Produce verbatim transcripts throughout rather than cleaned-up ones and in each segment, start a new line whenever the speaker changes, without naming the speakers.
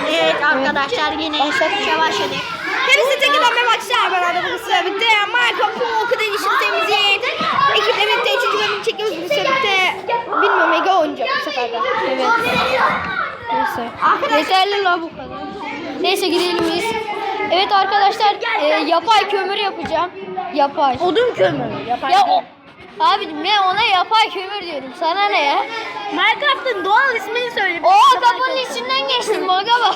Evet arkadaşlar yine başlatmaya başladık. Hepsi tekrardan başlar. Ben arada bu sıra bitti. Minecraft Pocket Edition temizleyin. Ekiple birlikte üçüncü bölümü çekiyoruz bu sıra bitti. Bilmiyorum Ege oynayacak bu sefer de.
Evet. Neyse. Yeterli la bu kadar. Neyse gidelim biz. Evet arkadaşlar e, yapay kömür yapacağım. Yapay.
Odun kömürü. Yapay
Ya o abicim ben ona yapay kömür diyorum. Sana ne ya?
Minecraft'ın doğal ismini söyle.
Oo kapının içinden geçtim baga bak.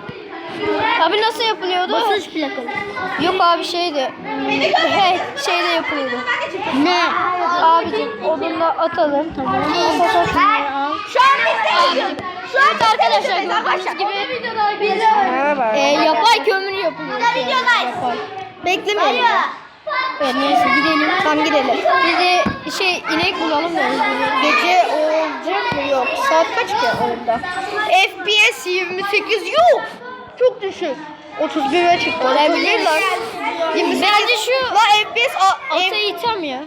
Abi nasıl yapılıyordu?
Basınç plakalı.
Yok abi şeydi. Hey şeyde yapılıyordu.
Ne?
Abicim odunla atalım. Tamam.
Şu an biz
Abicim. Evet arkadaşlar gördüğünüz gibi biz e, yapay kömür yapıyoruz. Yani. Yapay.
Beklemeyin.
Evet neyse gidelim.
Tamam gidelim.
Biz de şey inek bulalım da.
Gece olacak mı? Yok. Saat kaç ki oyunda? F P S yirmi sekiz yok. Çok düşük. otuz bire çıktı.
Olabilir lan.
yirmi sekiz.
Bence şu
La F P S a,
ata
F,
item ya.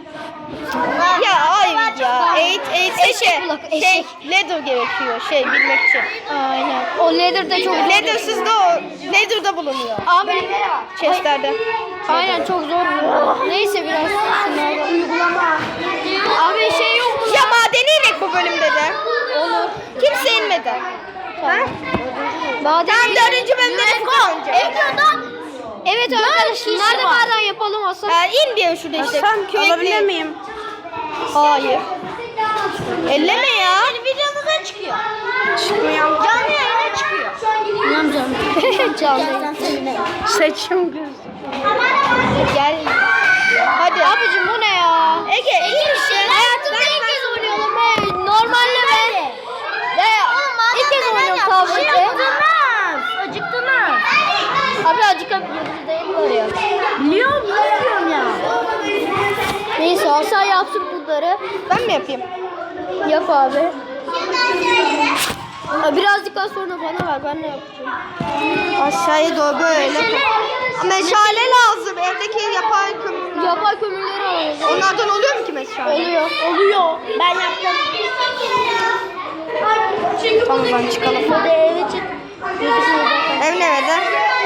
ya hayır ya. eight eight
Eşek
şey,
kulak,
şey
eşek.
leather gerekiyor şey bilmek için.
Aynen. O leather de çok zor.
Leather'sız da o leather'da bulunuyor.
Abi
Chest'lerde.
aynen çok zor. Neyse biraz şunlardan.
Uygulama.
Abi şey yok mu?
Ya madeni inek bu bölümde de.
Olur.
Kimse inmedi. Ha?
Maden
Ben dördüncü bölümde de Furkan önce.
Evet arkadaşlar nerede maden yapalım Hasan?
Ee, in bir şurada işte.
Hasan, alabilir
miyim? Hayır. Elleme ya. Videomuza çıkıyor. Çıkmıyor. Canlı yayına çıkıyor.
Tamam canım. Canlı.
Saçım göz. Gel. Hadi.
Abicim bu ne ya?
Ege, iyi işte.
Hayatımda ilk kez oynuyorum. Hey, normalde ben ya, ilk kez oynuyorum tablette.
Acıktınız.
Abi acıkabiliyoruz değil mi oraya?
Biliyorum, biliyorum ya.
Neyse Hasan yapsın bunları.
Ben mi yapayım?
Yap abi. Ha, birazcık daha sonra bana ver ben ne yapacağım?
Aşağıya doğru böyle. Meşale lazım. Evdeki yapay kömür.
Yapay kömürleri alıyoruz.
Onlardan oluyor mu ki meşale?
Oluyor.
Oluyor. Ben yaptım. Tamam ben çıkalım.
Hadi eve çık.
Ev nerede?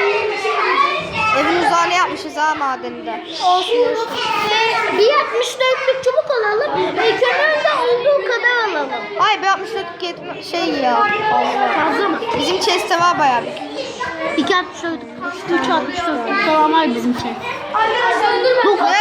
Evin uzağını yapmışız ha madeninde.
Olsun olsun.
Bir altmış dörtlük çubuk alalım. Kömür de olduğu kadar alalım. Ay bir altmış dörtlük yetme şey ya. Fazla mı? Bizim chest'te var bayağı bir.
iki altmış dört, üç altmış dört falan var bizim şey.
Bu ne?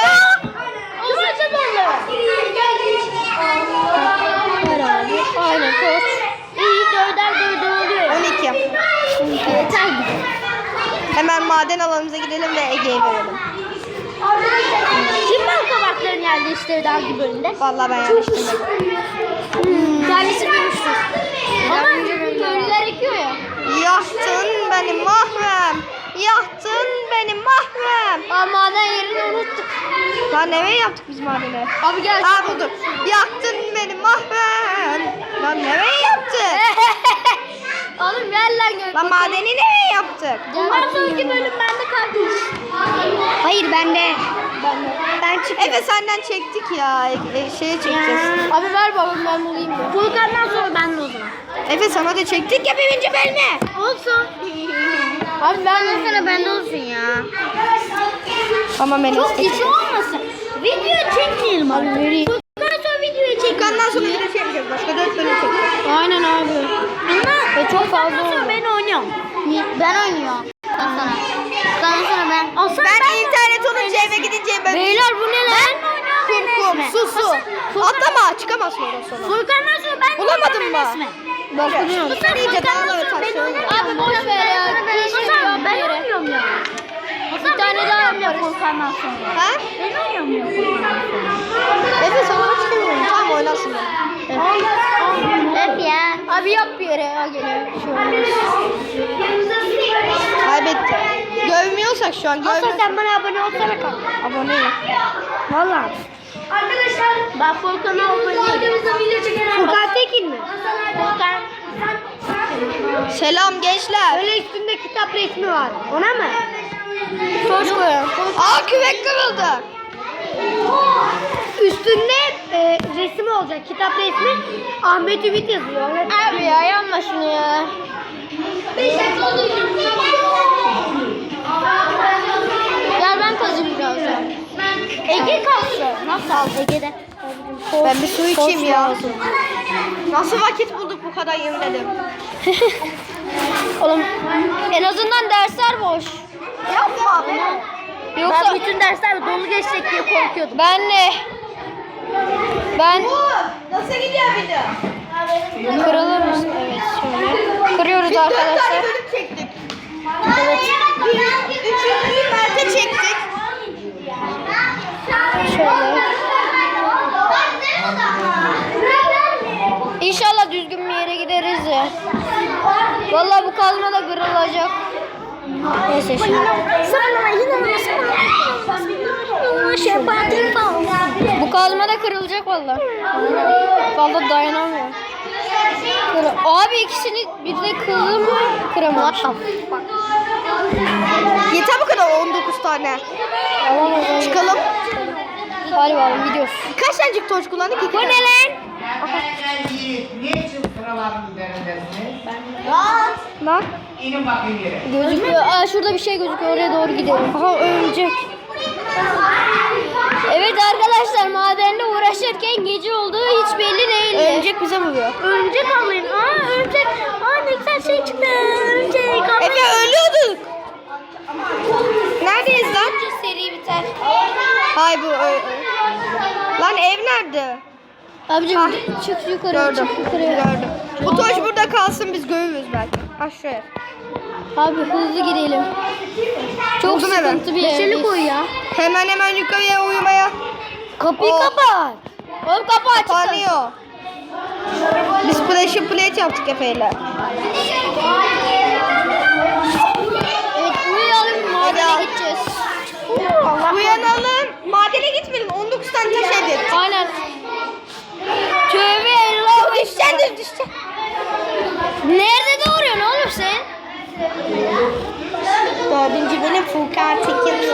Herhalde. Aynen koş.
İyi dörder dörder oluyor. on iki.
Yeter mi?
Hemen maden alanımıza gidelim ve Ege'ye verelim.
Kim ben kabaklarını yerleştirdi hangi bölümde?
Vallahi ben yerleştirmedim.
Hmm. Kendisi görmüştür. Ama köylüler ekiyor ya.
Yaktın beni mahrem. Yaktın beni mahrem.
Aa maden yerini unuttuk.
Lan nereye yaptık biz madeni?
Abi gel.
Ha buldum. Yaktın beni mahrem. Lan nereye yaptık?
Oğlum gel lan gör.
Lan madeni nereye yaptık?
Bundan sonraki bölüm bende kardeş.
Hayır bende. Ben çıktım. Efe senden çektik ya. E, şeye çekeceğiz.
Abi ver babam ben bulayım ya.
Furkan'dan sonra ben de o zaman. Efe sana da çektik ya birinci bölümü.
Olsun. Abi ben de sana bende olsun ya.
Ama ben
Çok kişi olmasın. Video çekmeyelim abi. Vereyim. Furkan'dan sonra videoyu çek.
Furkan'dan sonra bir de şey yapacağız. Başka dört bölüm çekeceğiz.
Aynen abi. Ama ve çok fazla oldu.
Ben oynuyorum.
Ben oynuyorum. Ondan sonra. Ondan sonra ben. Olsun
Ben, ben internet olunca eve gidince ben...
Beyler bu ne lan?
Kum kum su su. Atlama çıkamazsın oradan sonra.
Furkan'dan sonra ben
Bulamadın mı?
Bakıyorum.
Bu sen iyice dağla ve taşıyor.
Abi boş ver ya. Keşke ben oynuyorum ya. Bir tane daha yaparız. Furkan'dan sonra.
Ha?
Ben oynuyorum ya Furkan'dan sonra.
Efe sana hiç bilmiyorum. Tamam oynarsın beni.
Hep ya. Abi yap bir yere ya geliyor.
Kaybettik. Görmüyorsak şu an görmüyorsak.
sen bana abone olsana kanka.
Aboneyim. Valla.
Arkadaşlar ben Furkan'a aboneyim. Furkan Tekin mi? Furkan.
Selam gençler.
Böyle üstünde kitap resmi var. Ona mı? Koş koyalım.
Aa küvek kırıldı.
Üstünde e, resim olacak. Kitap resmi. Ahmet Ümit yazıyor. Abi ya yanma şunu ya. Ege kalsın. Nasıl Ege'de?
Ben bir su içeyim ya. Nasıl vakit bulduk bu kadar yemin ederim.
Oğlum en azından dersler boş.
Yapma abi.
Yoksa
Ben bütün dersler dolu geçecek diye korkuyordum.
ben de ben
Nasıl gidiyor video?
kırılır mısın? Evet şöyle. Kırıyoruz
Dört tane
arkadaşlar.
bölüm çektik.
Evet.
Üçüncüyü Mert'e çektik.
Şöyle. İnşallah düzgün bir yere gideriz ya. Vallahi bu kazma da kırılacak. Neyse şimdi. Bu kazma da kırılacak vallahi. Vallahi dayanamıyorum. Kır- Abi ikisini bir de kırılır mı? Kıramamışım.
Yeter bu kadar on dokuz tane.
Alamaz.
Çıkalım.
Hadi bakalım gidiyoruz.
Kaç tane toz kullandık? İki
Bu ne
tane.
lan?
Niçin sıraların üzerindesiniz?
Bak.
İnin bakayım yere.
Gözüküyor. Aa şurada bir şey gözüküyor. Oraya doğru gidelim. Aha örümcek. Evet arkadaşlar madenle uğraşırken gece olduğu hiç belli değil.
Örümcek bize vuruyor.
Örümcek avlayın. Aa örümcek. Aa ne güzel şey çıktı. Örümcek
Efe ölüyorduk. Neredeyiz lan?
Seri biter.
Hay bu. ö- ö- Lan ev nerede?
Abicim
Ah.
çık yukarı.
Gördüm.
Çık yukarı.
Gördüm. Bu toş burada kalsın biz görürüz belki. Aşağıya.
Abi hızlı gidelim. Çok
Buldum hemen.
sıkıntı bir yerdeyiz.
koy ya. Hemen hemen yukarıya uyumaya.
Kapıyı
Oh.
kapat. Oğlum kapı açık.
Kapanıyor. Biz pressure plate yaptık Efe'yle.
Evet uyuyalım madene
Hadi.
gideceğiz.
Uyanalım. Madene gitmeyelim. on dokuz tane taş elde ettik.
Aynen. Tövbe Allah.
Düşeceksin de düşeceksin.
Nerede doğuruyorsun oğlum sen?
Dördüncü benim Furkan Tekin'le.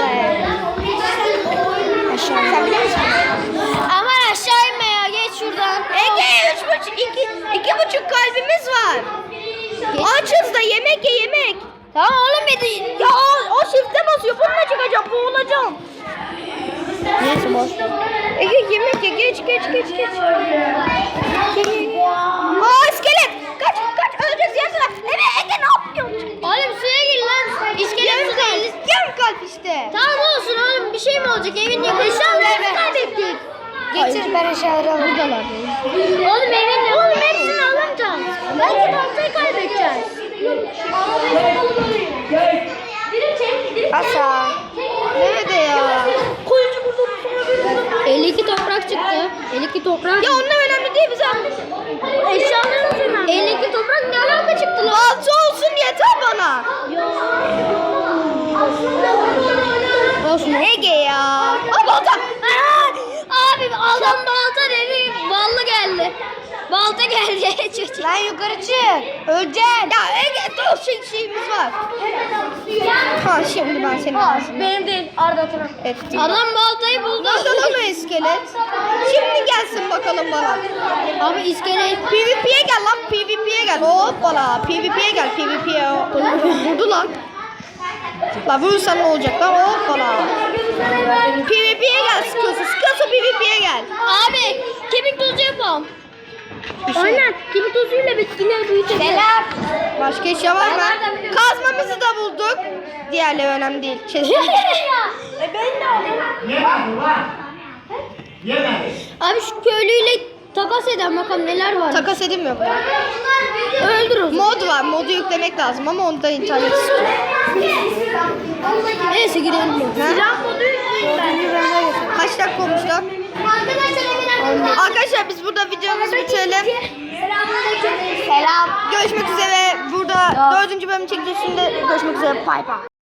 Aşağı. Sen biliyor musun?
Aman aşağı inme ya geç şuradan.
Ege üç buçuk, iki, iki buçuk kalbimiz var. Açız da yemek ye yemek.
Tamam oğlum bir de.
Ya o, o shift'e basıyor. Bununla çıkacağım. Boğulacağım.
Neyse boş.
Ege yemek ye. Geç geç geç geç. Aa iskelet. Kaç kaç öleceğiz yan taraf. Ege Ege ne yapıyorsun?
Oğlum suya gir lan. İskelet
Yarım
su değil.
kalp. Yarım kalp işte.
Tamam olsun oğlum bir şey mi olacak evin yakın. Eşyalarını kaybettik.
Getir ben eşyaları alırım.
Buradalar. Oğlum evin ne? Oğlum hepsini alamayacağız. Belki baltayı kaybedeceğiz.
Hasan. Nerede ya?
elli iki toprak çıktı. elli iki toprak.
Ya onunla önemli değil bize.
Eşyalarımız önemli. elli iki toprak ne alaka çıktı lan?
Balta olsun yeter bana.
Olsun.
Ege ya. Aa balta.
Aa, abi adam balta dedi. Ballı geldi. Balta geldi çocuk.
Lan yukarı çık. Öleceksin. Ya Ege dur şey, şeyimiz var. Ha şimdi ben seni alsın.
Benim değil. Arda Turan.
Ettim.
Adam baltayı buldu.
Nasıl ama iskelet? Şimdi gelsin bakalım bana.
Abi iskelet.
PvP'ye gel lan PvP'ye gel. Hoppala PvP'ye gel PvP'ye. Vurdu lan. La vurursan ne olacak lan hoppala. PvP'ye gel sıkıyorsa sıkıyorsa PvP'ye gel.
Abi kemik tozu yapalım. Aynen. Kemik tozuyla bitkiler büyütecek.
Selam. Başka eşya var mı? Kazmamızı da bulduk. Diğerleri önemli değil. Çeşitli.
Yemedi ulan. Yemedi.
Abi şu köylüyle takas eden bakalım neler var.
Takas edilmiyor bunlar.
Öldür o zaman.
Mod var. Modu yüklemek lazım ama onda internet istiyor.
Neyse gidelim.
Silah modu Kaç dakika olmuş lan? Arkadaşlar biz burada videomuzu bitirelim.
Selam.
Görüşmek üzere. Burada dördüncü bölüm çekeceğiz. Şimdi görüşmek üzere. Bye bye.